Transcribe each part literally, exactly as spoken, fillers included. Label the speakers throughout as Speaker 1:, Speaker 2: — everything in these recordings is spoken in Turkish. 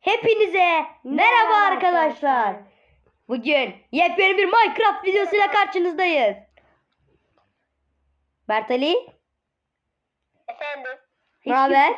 Speaker 1: Hepinize merhaba arkadaşlar. Bugün yepyeni bir Minecraft videosuyla karşınızdayız. Mert Ali,
Speaker 2: Efendim.
Speaker 1: ne haber?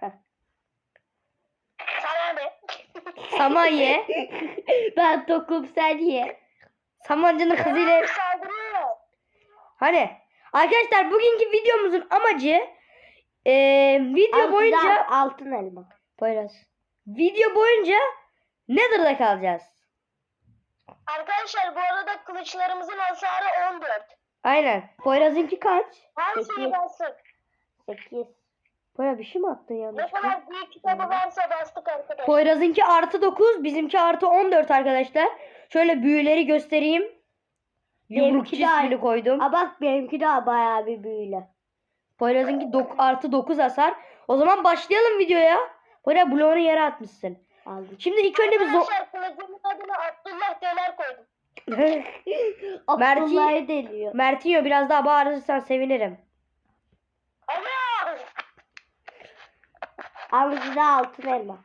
Speaker 2: Sana ne?
Speaker 1: Saman ye.
Speaker 2: Ben tokum sen ye.
Speaker 1: Samancının kızıyla.
Speaker 2: Saldırıyor.
Speaker 1: Hani arkadaşlar bugünkü videomuzun amacı eee, video boyunca
Speaker 2: altın elma.
Speaker 1: Poyraz. Video boyunca Nether'da kalacağız.
Speaker 2: Arkadaşlar bu arada kılıçlarımızın hasarı on dört.
Speaker 1: Aynen. Poyraz'ınki kaç?
Speaker 2: Hangisini bastık?
Speaker 1: sekiz. Poyraz bir şey mi attın
Speaker 2: Ne
Speaker 1: yanlışlıkla?
Speaker 2: kadar büyük kitabı varsa bastık arkadaşlar.
Speaker 1: Poyraz'ınki artı dokuz, bizimki artı on dört arkadaşlar. Şöyle büyüleri göstereyim. Yumrukçu ismini koydum.
Speaker 2: Aa bak benimki daha bayağı bir büyüle.
Speaker 1: Poyraz'ınki dok- artı dokuz hasar. O zaman başlayalım videoya. Poyraz bloğunu yere atmışsın.
Speaker 2: Aldım.
Speaker 1: Şimdi ilk önce bir zo-
Speaker 2: Arkadaşlar kılıcımın adını Abdullah Deler koydum.
Speaker 1: Mert'i
Speaker 2: Abdullah'ı deliyor.
Speaker 1: Mert'inho biraz daha bağırırsan sevinirim.
Speaker 2: Ana! Al da altın elma.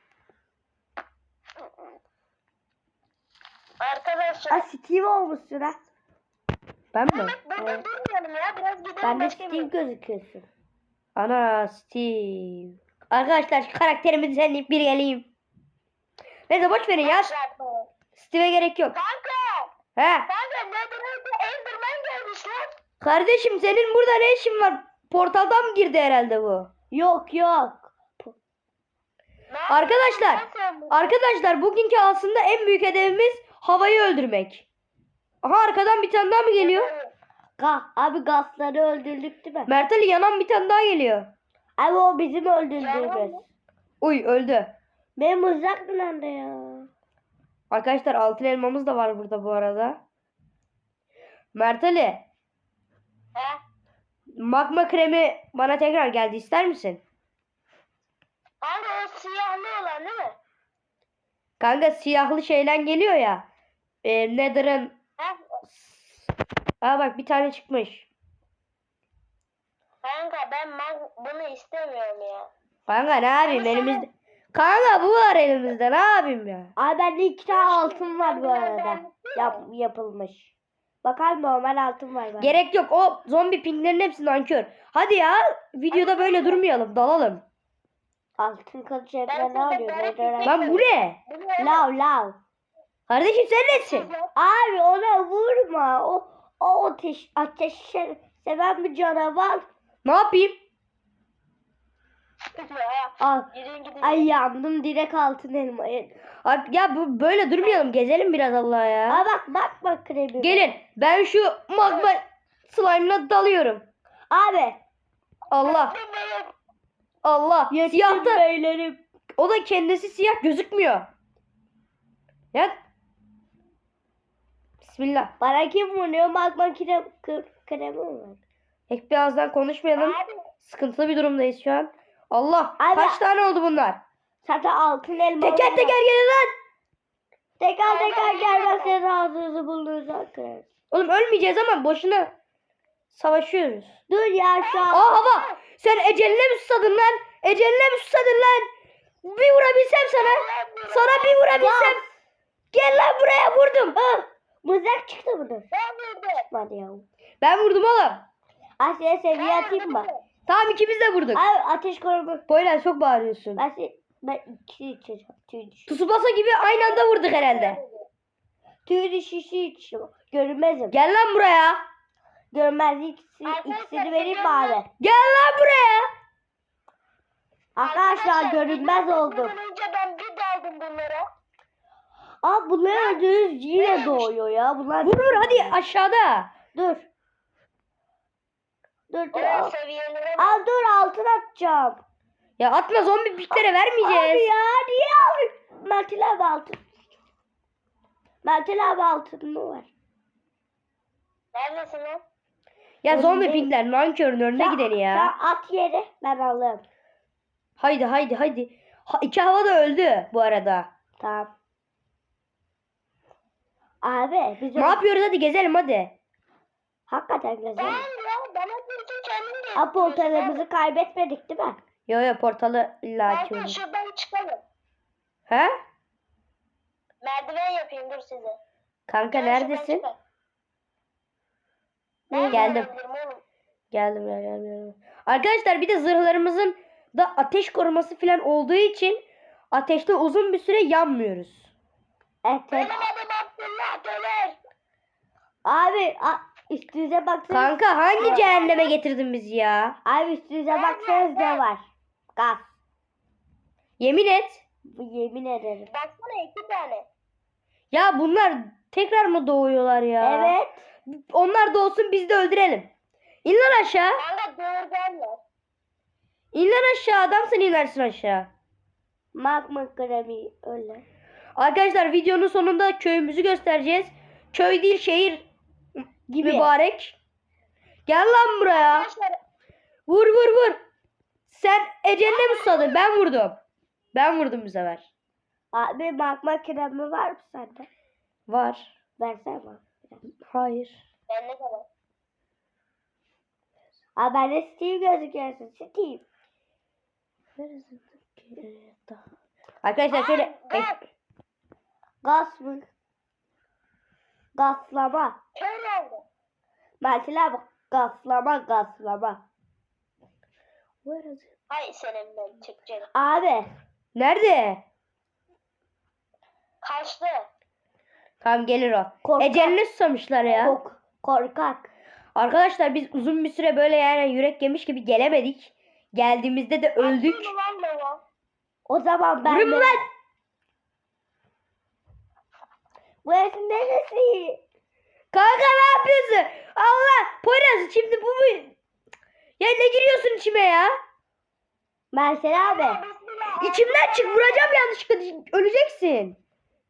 Speaker 2: Arkadaşlar.
Speaker 1: Aa, Steve olmuşsun ha. Ben mi?
Speaker 2: Evet, burada
Speaker 1: Evet.
Speaker 2: durmayalım ya. Biraz gidelim.
Speaker 1: Ben de
Speaker 2: başka bir-
Speaker 1: Steve gözüküyorsun. Ana Steve. Arkadaşlar şu karakterimizi senleyip bir geleyim. Neyse boş verin ya. Steve'e gerek yok.
Speaker 2: Kanka.
Speaker 1: He.
Speaker 2: Kanka Nether'da Enderman gelmiş lan.
Speaker 1: Kardeşim senin burada ne işin var? Portaldan mı girdi herhalde bu?
Speaker 2: Yok yok.
Speaker 1: Arkadaşlar, arkadaşlar bugünkü aslında en büyük hedefimiz havayı öldürmek. Aha arkadan bir tane daha mı geliyor?
Speaker 2: Ga abi gazları öldürdük değil mi?
Speaker 1: Mert Ali yanan bir tane daha geliyor.
Speaker 2: Abi o bizim öldürdüğümüz.
Speaker 1: Uy öldü.
Speaker 2: Benim uzak nerede ya?
Speaker 1: Arkadaşlar altın elmamız da var burada bu arada. Mert Ali,
Speaker 2: He?
Speaker 1: magma kremi bana tekrar geldi, ister misin?
Speaker 2: Kanka o siyahlı olan değil mi?
Speaker 1: Kanka siyahlı şeyden geliyor ya. E, Nether'ın.
Speaker 2: He?
Speaker 1: Aa bak bir tane çıkmış.
Speaker 2: Kanka ben mag- bunu istemiyorum ya.
Speaker 1: Kanka ne yapayım elimizde. Kanka bu var elimizde, ne yapayım ya?
Speaker 2: Abi bende iki tane altın var bu arada. Yap, yapılmış. Bakar normal altın var bende.
Speaker 1: Gerek yok, o zombi pinglerin hepsi nankör. Hadi ya videoda böyle durmayalım, dalalım.
Speaker 2: Altın kılıç evde ne oluyor?
Speaker 1: Lan bu ne?
Speaker 2: Lav lav.
Speaker 1: Kardeşim sen nesin?
Speaker 2: Abi ona vurma. O o ateş ateş seven bir canavar.
Speaker 1: Ne yapayım?
Speaker 2: Al. Ay yandım direkt altın elmayı.
Speaker 1: Artık ya bu böyle durmayalım, gezelim biraz Allah ya.
Speaker 2: Aa bak bak bak kremi.
Speaker 1: Gelin ben şu magma slime'la dalıyorum.
Speaker 2: Abi.
Speaker 1: Allah. Allah. Siyah da,
Speaker 2: beylerim.
Speaker 1: o da kendisi siyah gözükmüyor. Ya. Bismillah.
Speaker 2: Bana kim vuruyor? Magma krem, kremi var.
Speaker 1: Hep birazdan konuşmayalım.
Speaker 2: Abi.
Speaker 1: Sıkıntılı bir durumdayız şu an. Allah.
Speaker 2: Abi.
Speaker 1: Kaç tane oldu bunlar?
Speaker 2: Zaten altın elma.
Speaker 1: Teker teker gelin lan.
Speaker 2: Teker teker gelmezse ağzınızı bulduğunuzu akırız.
Speaker 1: Oğlum ölmeyeceğiz ama boşuna savaşıyoruz.
Speaker 2: Dur ya şu an.
Speaker 1: Aa hava. Sen eceline mi susadın lan? Eceline mi susadın lan? Bir vurabilsem sana. Sana bir vurabilsem. Gel lan buraya, vurdum.
Speaker 2: Ah, mızrak çıktı bunun. Ben vurdum. Çıkmadı ya.
Speaker 1: Ben vurdum oğlum.
Speaker 2: Asya'ya seviye atayım mı?
Speaker 1: Tamam ikimiz de vurduk.
Speaker 2: Abi ateş koruma.
Speaker 1: Poyraz çok bağırıyorsun.
Speaker 2: Ben, se- ben iki içeceğim. Tüy düşü.
Speaker 1: Tsubasa gibi aynı anda vurduk herhalde.
Speaker 2: Tüy düşüşü içiyorum. Görünmezim.
Speaker 1: Gel lan buraya.
Speaker 2: Görünmez ikisi, ikisini vereyim mi abi?
Speaker 1: Gel lan buraya.
Speaker 2: Arkadaşlar görünmez oldum.
Speaker 3: Önce ben bir daldım bunlara.
Speaker 2: Aa bunlar öldüğünüz yine doğuyor ya. Bunlar
Speaker 1: Vur vur hadi aşağıda.
Speaker 2: Dur. Dur dur.
Speaker 3: O
Speaker 2: Al,
Speaker 3: seviyelere
Speaker 2: al dur altın atacağım.
Speaker 1: Ya atma, zombi piklere
Speaker 2: Abi
Speaker 1: vermeyeceğiz.
Speaker 2: ya niye abi? Mertel abi altın. Mertel abi altın mı var?
Speaker 3: neredesin lan?
Speaker 1: Ya zombi
Speaker 2: Önde.
Speaker 1: pinkler nankörün önüne
Speaker 2: Sen-
Speaker 1: gideni ya.
Speaker 2: Sen at yere ben alırım.
Speaker 1: Haydi haydi haydi. Ha, iki hava da öldü bu arada.
Speaker 2: Tamam. Abi biz
Speaker 1: Ne yapıyoruz, hadi gezelim hadi.
Speaker 2: hakikaten
Speaker 3: Ben
Speaker 2: gezelim.
Speaker 3: ya bana bütün kendim de.
Speaker 2: Aportalarımızı kaybetmedik değil mi?
Speaker 1: Yo yo portalı illa
Speaker 3: Kanka
Speaker 1: açıyoruz.
Speaker 3: şuradan çıkalım.
Speaker 1: He?
Speaker 3: Merdiven yapayım dur size.
Speaker 1: Kanka
Speaker 3: Gel şuradan
Speaker 1: neredesin?
Speaker 3: çıkar.
Speaker 1: Geldim.
Speaker 3: Nereden alabilirim oğlum?
Speaker 1: Geldim ya geldim, geldim. Arkadaşlar bir de zırhlarımızın da ateş koruması falan olduğu için ateşte uzun bir süre yanmıyoruz.
Speaker 2: Evet.
Speaker 3: Benim adım Abdullah Döner.
Speaker 2: Abi a- üstünüze baksanız.
Speaker 1: Kanka hangi cehenneme getirdin bizi ya?
Speaker 2: Abi üstünüze baksanız ne var? Gaz.
Speaker 1: Yemin et.
Speaker 2: Bu yemin ederim.
Speaker 3: Baksana iki tane.
Speaker 1: Ya bunlar tekrar mı doğuyorlar ya?
Speaker 2: Evet.
Speaker 1: Onlar doğsun biz de öldürelim. İn lan aşağı.
Speaker 3: Kanka doğurganlar.
Speaker 1: İn lan aşağı. Adamsın inersin aşağı.
Speaker 2: Magma kremi öyle.
Speaker 1: Arkadaşlar videonun sonunda köyümüzü göstereceğiz. Köy değil şehir
Speaker 2: Gibi.
Speaker 1: mübarek. Gel lan buraya.
Speaker 3: Arkadaşlar
Speaker 1: Vur vur vur. Sen eceline mi susadın? Ben vurdum. Ben vurdum bu sefer.
Speaker 2: Abi magma kremi var mı sende?
Speaker 1: Var.
Speaker 2: Versene bana.
Speaker 1: Hayır.
Speaker 3: ben ne kadar?
Speaker 2: Abi ben de Steve gözüküyorsun. Steve.
Speaker 1: Arkadaşlar şöyle
Speaker 3: Gaz.
Speaker 2: Gaz mı? Gaslama.
Speaker 3: Kör oldu.
Speaker 2: Mesela bak. Gaslama gaslama.
Speaker 3: Hay senin ben çıkacağım.
Speaker 2: Abi.
Speaker 1: Nerede?
Speaker 3: Kaçtı.
Speaker 1: Tamam gelir o.
Speaker 2: Korkak.
Speaker 1: Eceline susamışlar ya.
Speaker 2: Kork, korkak.
Speaker 1: Arkadaşlar biz uzun bir süre böyle yani yürek yemiş gibi gelemedik. Geldiğimizde de öldük.
Speaker 3: Aklını lan baba.
Speaker 2: O zaman ben
Speaker 1: Vurun
Speaker 2: de...
Speaker 1: lan.
Speaker 2: Burası neresi?
Speaker 1: Kanka ne yapıyorsun? Allah. Poyraz şimdi bu mu? Ya ne giriyorsun içime ya?
Speaker 2: Mesela abi.
Speaker 3: Bismillah.
Speaker 1: İçimden çık, vuracağım yanlışlıkla, öleceksin.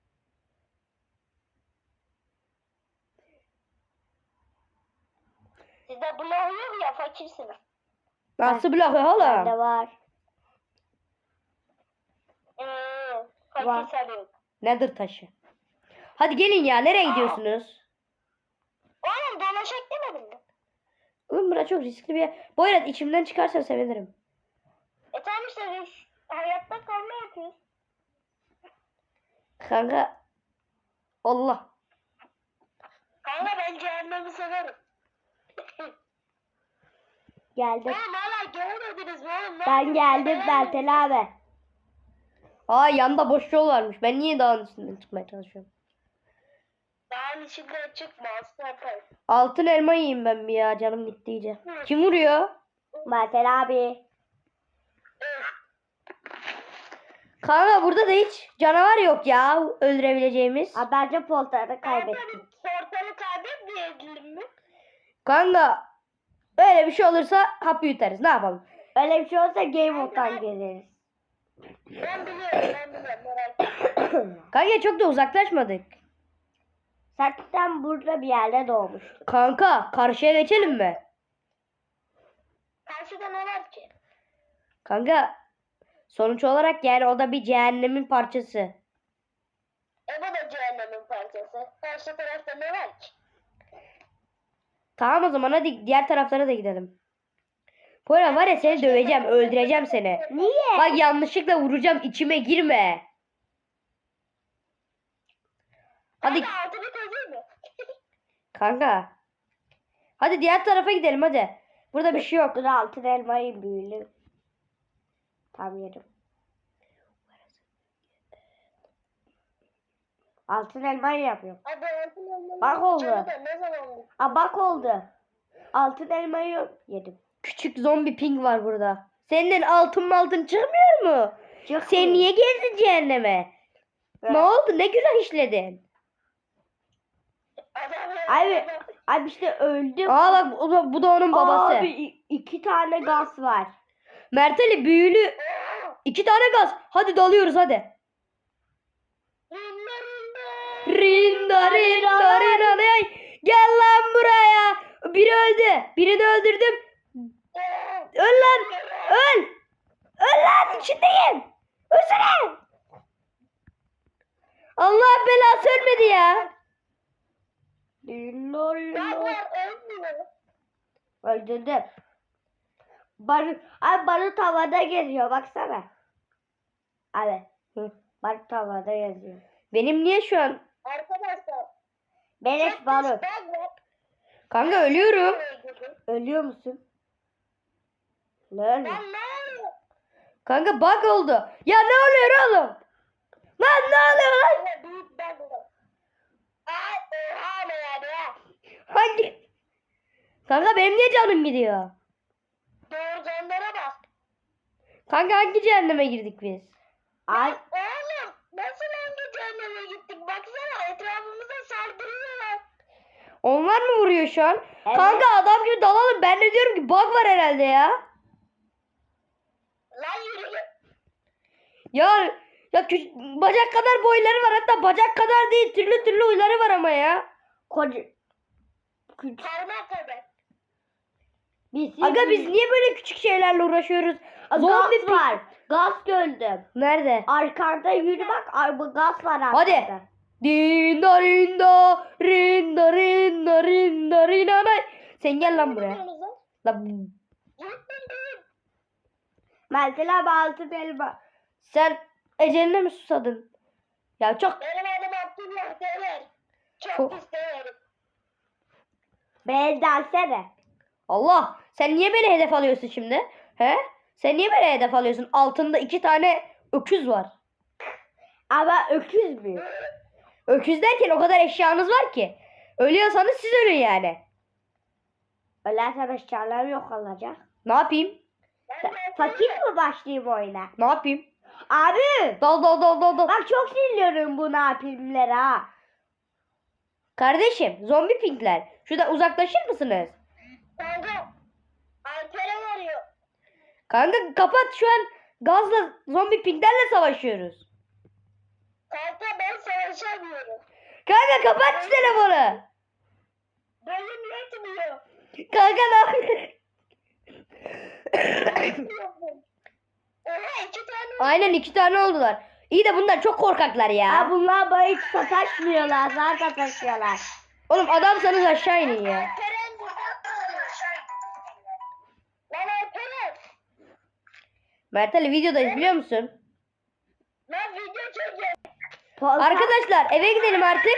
Speaker 3: Sizde blok yok ya fakirsiniz.
Speaker 1: Nasıl blok ya
Speaker 2: Bende
Speaker 1: oğlum?
Speaker 2: var.
Speaker 3: Hmm,
Speaker 2: Var.
Speaker 3: fakir sarıyor.
Speaker 1: Nedir taşı? Hadi gelin ya, nereye gidiyorsunuz?
Speaker 3: Oğlum dolaşak demedin mi?
Speaker 1: Oğlum burası çok riskli bir yer. Boyrat içimden çıkarsan sevinirim.
Speaker 3: E tamam işte biz hayatta kalma yapıyoruz.
Speaker 1: Kanka. Allah.
Speaker 3: Kanka ben cehennemi severim.
Speaker 2: Geldim.
Speaker 3: Oğlum hala gelmediniz mi oğlum? Ne
Speaker 2: Ben
Speaker 3: yapıyorsun?
Speaker 2: geldim
Speaker 3: Ben-
Speaker 2: Bertel abi.
Speaker 1: Aa yanda boş yol varmış. Ben niye dağın üstünden çıkmaya çalışıyorum?
Speaker 3: Dağın içinden çıkma asla yaparım.
Speaker 1: Altın elma yiyeyim ben bir ya, canım gitti iyice. Kim vuruyor?
Speaker 2: Bertel abi.
Speaker 1: Kanka burada da hiç canavar yok ya öldürebileceğimiz.
Speaker 2: Abi bence poltarı kaybettik.
Speaker 3: Portalı kaybetmeyelim mi?
Speaker 1: Kanka öyle bir şey olursa hapı yutarız, ne yapalım?
Speaker 2: Öyle bir şey olsa Game Mode'dan geliriz.
Speaker 3: Ben biliyorum ben biliyorum merak etme.
Speaker 1: Kanka çok da uzaklaşmadık.
Speaker 2: Zaten burada bir yerde doğmuş.
Speaker 1: Kanka karşıya geçelim mi?
Speaker 3: Karşıda ne var ki?
Speaker 1: Kanka sonuç olarak yani o da bir cehennemin parçası.
Speaker 3: E bu da cehennemin parçası. Karşı tarafta ne var ki?
Speaker 1: Tamam o zaman hadi diğer taraflara da gidelim. Poyraz var ya, seni döveceğim, öldüreceğim seni.
Speaker 2: Niye?
Speaker 1: Bak yanlışlıkla vuracağım, içime girme. Hadi
Speaker 3: Hadi altını kazıyor mu?
Speaker 1: kanka. Hadi diğer tarafa gidelim hadi. Burada bir şey yok.
Speaker 2: Dur altın elmayı büyülü. Tam yerim. Altın elmayı yapıyorum.
Speaker 3: Hadi altın olmalı.
Speaker 2: Bak oldu.
Speaker 3: Canı da ne zaman oldu?
Speaker 2: Aa bak oldu. Altın elmayı yedim.
Speaker 1: Küçük zombi ping var burada. Senin altın mı altın çıkmıyor mu?
Speaker 2: Çıkmıyor.
Speaker 1: Sen niye geldin cehenneme?
Speaker 2: Evet.
Speaker 1: Ne oldu? Ne günah işledin?
Speaker 3: Adam
Speaker 2: Abi, abi işte öldüm.
Speaker 1: Aa bak bu da, bu da onun babası.
Speaker 2: Abi i- iki tane gaz var.
Speaker 1: Mert Ali büyülü. İki tane gaz. Hadi dalıyoruz hadi. Rinda rinda rinda ay. Gel lan buraya. Biri öldü. Birini öldürdüm. Öl lan. Öl. Öl lan, içindeyim. Ölsene. Allah belası ölmedi ya.
Speaker 2: Lilo
Speaker 3: Bak
Speaker 2: lilo.
Speaker 3: var ölmüyor.
Speaker 2: Öldürdüm. Barı, abi barut havada geziyor baksana. Abi.
Speaker 1: Hı.
Speaker 2: Barut havada geziyor.
Speaker 1: Benim niye şu an?
Speaker 3: Arkadaşlar.
Speaker 2: Beleş
Speaker 3: çok
Speaker 2: balık.
Speaker 3: pis bug var.
Speaker 1: Kanka ölüyorum.
Speaker 2: Ölüyor musun? Ne ölüyor?
Speaker 3: Lan ne oluyor?
Speaker 1: Kanka bug oldu. Ya ne oluyor oğlum? Lan ne oluyor lan?
Speaker 3: Valla büyük bug var. Ay oha ne yani ya?
Speaker 1: Hangi? Kanka benim niye canım gidiyor?
Speaker 3: Doğru canlara bak.
Speaker 1: Kanka hangi cehenneme girdik biz?
Speaker 2: Ay,
Speaker 3: Oğlum nasıl hangi cehenneme gittik? Baksana etrafımıza saldırıyorlar.
Speaker 1: Onlar mı vuruyor şu an?
Speaker 2: Evet.
Speaker 1: Kanka adam gibi dalalım. Ben de diyorum ki bug var herhalde ya.
Speaker 3: Lan yürü git.
Speaker 1: Ya ya küç- bacak kadar boyları var, hatta bacak kadar değil, türlü türlü huyları var ama ya.
Speaker 2: koca. Küçük.
Speaker 3: Parmak kadar.
Speaker 2: Biz,
Speaker 1: Aga biz niye böyle küçük şeylerle uğraşıyoruz?
Speaker 2: Gaz
Speaker 1: Zombi pi-
Speaker 2: var. Gaz gördüm.
Speaker 1: Nerede?
Speaker 2: Arkanda yürü bak. Ay, bu gaz var arkada.
Speaker 1: Hadi. Dinda rinda rinda rinda rinda rinda. Sen gel lan buraya.
Speaker 3: Biliyorsunuz lan.
Speaker 1: Lan
Speaker 3: Gittin değil.
Speaker 2: Meltel abi altı elma.
Speaker 1: sen eceline mi susadın? Ya çok
Speaker 3: Benim adım Abdullah Dever. Çok
Speaker 1: Çok-
Speaker 3: pis deverim.
Speaker 2: Beni dersene.
Speaker 1: Allah, sen niye beni hedef alıyorsun şimdi? He? Sen niye beni hedef alıyorsun? Altında iki tane öküz var.
Speaker 2: Ama öküz mü?
Speaker 1: Öküz derken o kadar eşyanız var ki. Ölüyorsanız siz ölün yani.
Speaker 2: Ölersen eşyalarım yok olacak.
Speaker 1: Ne yapayım?
Speaker 3: Ben de
Speaker 2: Fakir mi başlayayım oyuna?
Speaker 1: Ne yapayım?
Speaker 2: Abi.
Speaker 1: Dal dal dal dal dal.
Speaker 2: Bak çok sinirliyorum bu ne yapayımları ha.
Speaker 1: Kardeşim, zombi pinkler. Şuradan uzaklaşır mısınız?
Speaker 3: Kanka. Alper'e varıyor.
Speaker 1: Kanka kapat, şu an gazla zombi pinklerle savaşıyoruz.
Speaker 3: Kanka ben savaşamıyorum.
Speaker 1: Kanka kapat şu telefonu.
Speaker 3: Bölüm yetmiyor.
Speaker 1: Kanka ne yapıyorsun?
Speaker 3: Oha iki tane.
Speaker 1: Aynen iki tane oldular. İyi de bunlar çok korkaklar ya.
Speaker 2: Ha bunlar bana hiç sataşmıyorlar. Zaten sataşıyorlar.
Speaker 1: Oğlum adamsanız aşağı inin ya.
Speaker 3: Alperen burada. Lan Alperen.
Speaker 1: Mert Ali videodayız biliyor musun?
Speaker 3: Lan video çekiyor.
Speaker 2: Polka-
Speaker 1: Arkadaşlar eve gidelim artık.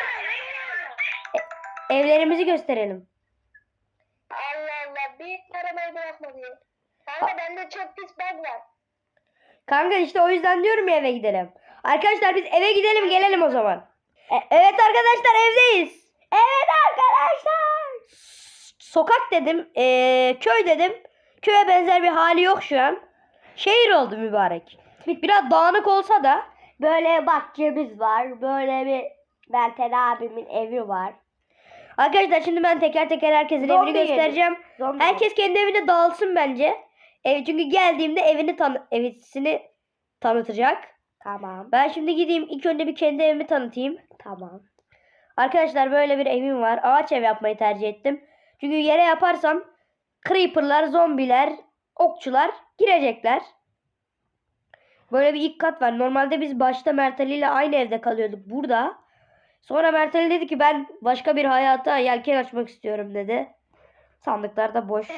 Speaker 1: Evlerimizi gösterelim.
Speaker 3: Allah Allah. Bir arabayı bırakma diyor. Kanka bende çok pis bug var.
Speaker 1: Kanka işte o yüzden diyorum ya eve gidelim. Arkadaşlar biz eve gidelim gelelim o zaman. E- evet arkadaşlar evdeyiz.
Speaker 2: Evet arkadaşlar.
Speaker 1: Sokak dedim, eee, köy dedim. Köye benzer bir hali yok şu an. Şehir oldu mübarek. Biraz dağınık olsa da.
Speaker 2: Böyle bahçemiz var. Böyle bir Meltel abimin evi var.
Speaker 1: Arkadaşlar şimdi ben teker teker herkesin
Speaker 2: Zombi
Speaker 1: evini göstereceğim.
Speaker 2: Zombi
Speaker 1: Herkes kendi evine dağılsın bence. Ev, çünkü geldiğimde evini tan evisini tanıtacak.
Speaker 2: Tamam.
Speaker 1: Ben şimdi gideyim ilk önce bir kendi evimi tanıtayım.
Speaker 2: Tamam.
Speaker 1: Arkadaşlar böyle bir evim var. Ağaç ev yapmayı tercih ettim. Çünkü yere yaparsam creeper'lar, zombiler, okçular girecekler. Böyle bir ilk kat var. Normalde biz başta Mert Ali ile aynı evde kalıyorduk burada. Sonra Mert Ali dedi ki ben başka bir hayata yelken açmak istiyorum dedi. Sandıklar da boş.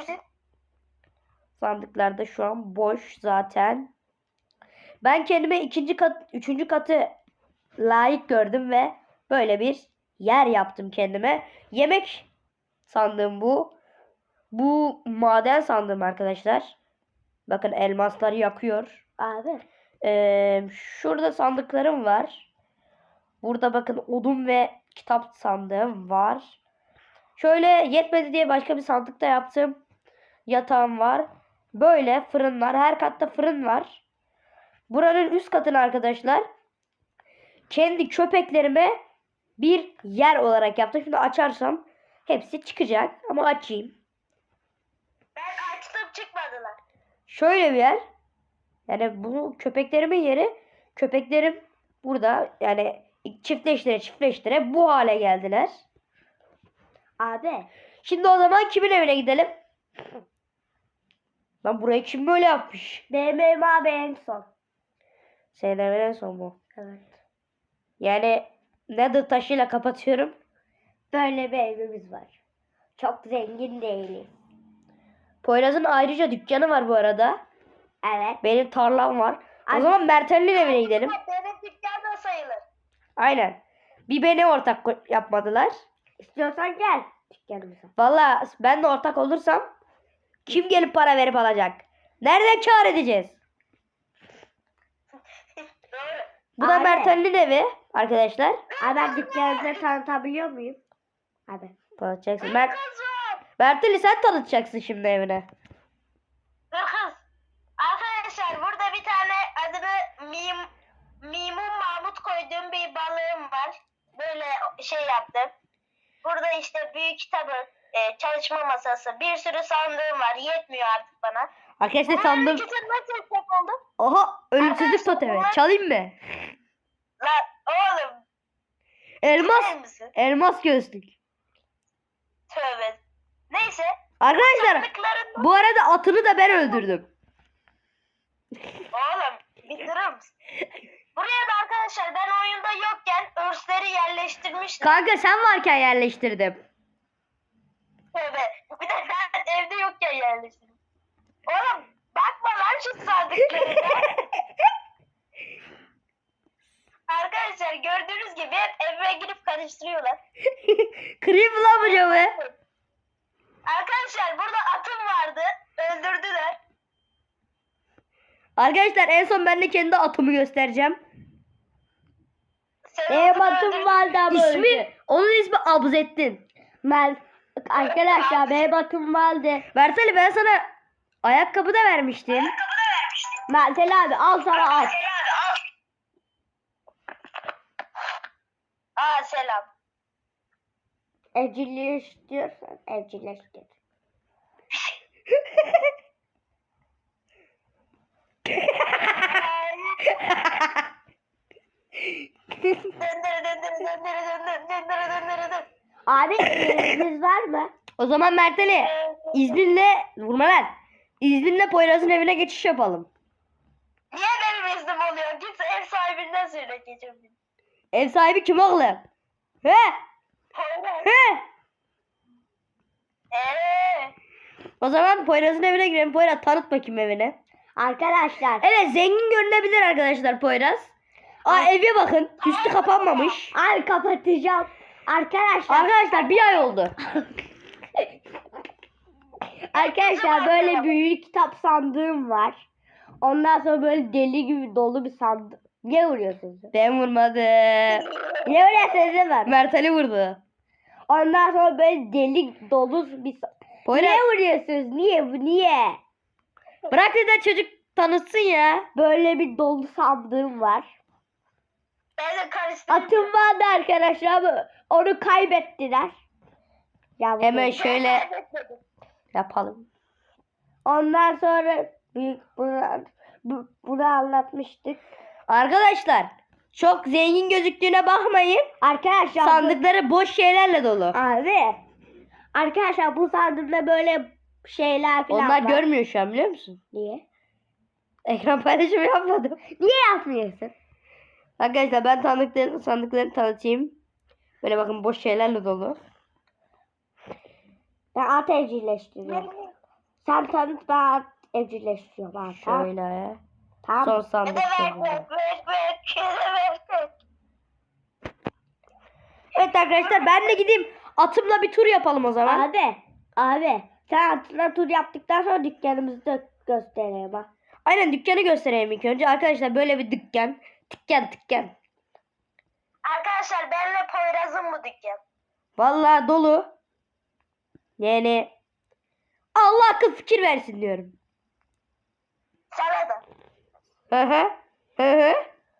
Speaker 1: Sandıklar da şu an boş zaten. Ben kendime ikinci kat, üçüncü katı layık gördüm ve böyle bir yer yaptım kendime. Yemek sandığım bu. Bu maden sandığım arkadaşlar. Bakın elmasları yakıyor.
Speaker 2: Abi.
Speaker 1: Ee, şurada sandıklarım var. Burada bakın odun ve kitap sandığım var. Şöyle yetmedi diye başka bir sandıkta yaptım. Yatağım var. Böyle fırınlar. Her katta fırın var. Buranın üst katını arkadaşlar kendi köpeklerime bir yer olarak yaptım. Şimdi açarsam hepsi çıkacak. Ama açayım.
Speaker 3: Ben açtım çıkmadılar.
Speaker 1: Şöyle bir yer. Yani bu köpeklerimin yeri. Köpeklerim burada yani çiftleştire çiftleştire bu hale geldiler.
Speaker 2: Abi.
Speaker 1: Şimdi o zaman kimin evine gidelim? Lan burayı kim böyle yapmış?
Speaker 2: Benim evim abi en son.
Speaker 1: Senin evin en son bu.
Speaker 2: Evet.
Speaker 1: Yani nether taşıyla kapatıyorum.
Speaker 2: Böyle bir evimiz var. Çok zengin değiliz.
Speaker 1: Poyraz'ın ayrıca dükkanı var bu arada.
Speaker 2: Evet.
Speaker 1: Benim tarlam var. O
Speaker 2: Ay-
Speaker 1: zaman Mert Ali'nin evine gidelim.
Speaker 3: Benim dükkan da sayılır.
Speaker 1: Aynen. Bir beni ortak ko- yapmadılar.
Speaker 2: İstiyorsan gel dükkanımıza.
Speaker 1: Vallahi ben de ortak olursam kim gelip para verip alacak? Nereden kâr edeceğiz?
Speaker 3: Doğru.
Speaker 1: Bu da
Speaker 2: Abi.
Speaker 1: Mert Ali'nin evi arkadaşlar.
Speaker 2: Abi ben dükkanımızı tanıtabiliyor muyum? Abi.
Speaker 1: Tanıtacaksın. Mert,
Speaker 3: Kız var.
Speaker 1: Mert Ali sen tanıtacaksın şimdi evine.
Speaker 3: Dur kız. Arkadaşlar burada bir tane adını Mim, Mimun Mahmut koyduğum bir balığım var. Böyle şey yaptım. Burada işte büyük kitabı, e, çalışma masası, bir sürü sandığım var. Yetmiyor artık bana.
Speaker 1: Arkadaşlar
Speaker 3: Bunların
Speaker 1: sandım.
Speaker 3: ikisini nasıl yapacak oldum?
Speaker 1: Oha ölümsüzlük
Speaker 3: Arkadaşlar,
Speaker 1: totemi.
Speaker 3: bunlar-
Speaker 1: Çalayım mı?
Speaker 3: Lan oğlum.
Speaker 1: Elmas.
Speaker 3: Bilir misin?
Speaker 1: Elmas gözlük.
Speaker 3: Tövbe. Neyse.
Speaker 1: Arkadaşlar
Speaker 3: Sandıkların...
Speaker 1: bu arada atını da ben öldürdüm.
Speaker 3: Oğlum bir durur musun? Buraya da arkadaşlar ben oyunda yokken örsleri yerleştirmiştim.
Speaker 1: Kanka sen varken yerleştirdim.
Speaker 3: Tövbe. Bir de ben evde yokken yerleştirdim. Oğlum bakma lan şu sandıklarına. Arkadaşlar gördüğünüz gibi hep evime girip karıştırıyorlar.
Speaker 1: Kırayım mı lan bu camı?
Speaker 3: Arkadaşlar burada atım vardı. Öldürdüler.
Speaker 1: Arkadaşlar en son ben de kendi atımı göstereceğim.
Speaker 3: Sen
Speaker 2: Benim
Speaker 3: atımı
Speaker 2: atım
Speaker 3: öldürdün.
Speaker 2: vardı ama öldü.
Speaker 1: İsmi, onun ismi Abzettin.
Speaker 2: Ben, arkadaşlar benim atım vardı.
Speaker 1: Mert Ali ben sana ayakkabı da vermiştim.
Speaker 2: Mertel abi al sana at.
Speaker 3: Aa selam.
Speaker 2: Evcilleştiriyorsan evcilleştir.
Speaker 3: Döndürü döndürü döndürü döndürü döndürü döndürü döndürü.
Speaker 2: Abi izniniz var mı?
Speaker 1: O zaman Mert Ali izninle vurma lan. İzninle Poyraz'ın evine geçiş yapalım.
Speaker 3: Niye benim iznim oluyor? Git ev sahibinden söyle geçen gün.
Speaker 1: Ev sahibi kim oğlum? He? He?
Speaker 3: Eee.
Speaker 1: O zaman Poyraz'ın evine girelim. Poyraz tanıt bakayım evini.
Speaker 2: Arkadaşlar.
Speaker 1: Evet zengin görünebilir arkadaşlar Poyraz. Aa eve bakın. Üstü kapanmamış.
Speaker 2: Abi kapatacağım. Arkadaşlar.
Speaker 1: Arkadaşlar bir ay oldu.
Speaker 2: Arkadaşlar böyle büyük kitap sandığım var. Ondan sonra böyle deli gibi dolu bir sandık. Niye vuruyorsunuz?
Speaker 1: Ben vurmadım.
Speaker 2: Niye vuruyorsunuz değil mi?
Speaker 1: Mert Ali vurdu.
Speaker 2: Ondan sonra böyle deli dolu bir sa-
Speaker 1: Poyraz
Speaker 2: Niye vuruyorsunuz? Niye? bu- Niye?
Speaker 1: bırak da çocuk tanıtsın ya.
Speaker 2: Böyle bir dolu sandığım var.
Speaker 3: Ben de karıştırdım.
Speaker 2: Atım vardı arkadaşlar ama onu kaybettiler. Ya bu-
Speaker 1: Hemen şöyle yapalım.
Speaker 2: Ondan sonra büyük bunu, bu- bunu anlatmıştık.
Speaker 1: Arkadaşlar çok zengin gözüktüğüne bakmayın.
Speaker 2: Arkadaşlar bu-
Speaker 1: Sandıkları boş şeylerle dolu.
Speaker 2: Abi. Arkadaşlar bu sandıkta böyle şeyler falan
Speaker 1: Onlar
Speaker 2: var.
Speaker 1: görmüyor şu an biliyor musun?
Speaker 2: Niye?
Speaker 1: Ekran paylaşımı yapmadım.
Speaker 2: Niye yapmıyorsun?
Speaker 1: Arkadaşlar ben sandıkları, sandıkları tanıtayım. Böyle bakın boş şeylerle dolu.
Speaker 2: Ben at evcilleştiriyorum. Sen tanıt ben at evcilleştiriyorum. Ha, tamam.
Speaker 1: Şöyle.
Speaker 2: Tamam.
Speaker 1: Son
Speaker 3: Bir
Speaker 1: sandık.
Speaker 3: de ver
Speaker 1: dolu.
Speaker 3: ver ver ver. Bir de ver ver.
Speaker 1: Evet arkadaşlar ben de gideyim. Atımla bir tur yapalım o zaman.
Speaker 2: Abi. Abi. Sen atına tur yaptıktan sonra dükkanımızı da göstereyim ha.
Speaker 1: Aynen dükkanı göstereyim ilk önce. Arkadaşlar böyle bir dükkan. Dükkan dükkan.
Speaker 3: Arkadaşlar benle Poyraz'ın bu dükkan.
Speaker 1: Vallahi dolu. Yani Allah akıl fikir versin diyorum.
Speaker 3: Sana da.
Speaker 1: Hı hı. Hı hı.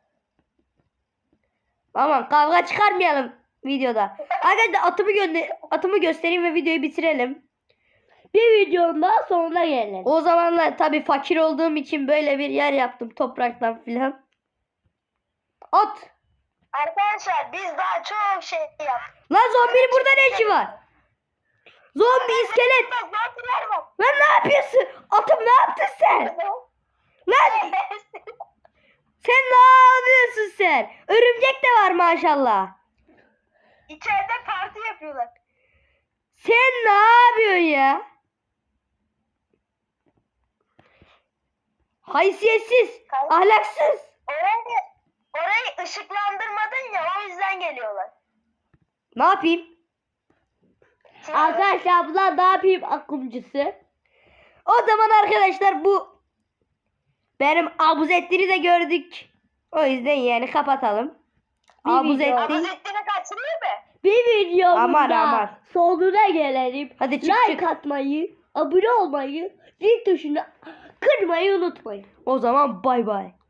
Speaker 1: Aman kavga çıkarmayalım videoda. Arkadaşlar atımı gönder atımı göstereyim ve videoyu bitirelim.
Speaker 2: Bir videonun daha sonuna gelelim.
Speaker 1: O zamanlar tabii fakir olduğum için böyle bir yer yaptım topraktan filan. At.
Speaker 3: Arkadaşlar biz daha çok şey yaptık.
Speaker 1: Lan zombinin burada ne işi var? Zombi iskelet.
Speaker 3: Zombiler var.
Speaker 1: Lan ne yapıyorsun? Atım ne yaptın sen? Lan sen ne yapıyorsun sen? Örümcek de var maşallah.
Speaker 3: İçeride parti yapıyorlar.
Speaker 1: Sen ne yapıyorsun ya? Haysiyetsiz, ahlaksız.
Speaker 3: Oraya, orayı ışıklandırmadın ya, o yüzden geliyorlar.
Speaker 1: Ne yapayım?
Speaker 3: Şimdi-
Speaker 2: Arkadaşlar bunlar ne yapayım akımcısı?
Speaker 1: O zaman arkadaşlar bu benim abuzettini de gördük. O yüzden yani kapatalım.
Speaker 2: Bir video.
Speaker 1: Abuzettin.
Speaker 3: Abuzettin'i kaçırıyor mu?
Speaker 2: Bir videomuzda
Speaker 1: Aman, aman.
Speaker 2: sonuna gelelim.
Speaker 1: Hadi çık,
Speaker 2: Like
Speaker 1: çık.
Speaker 2: atmayı, abone olmayı, zil tuşunu kırmayı unutmayın.
Speaker 1: O zaman bay bay.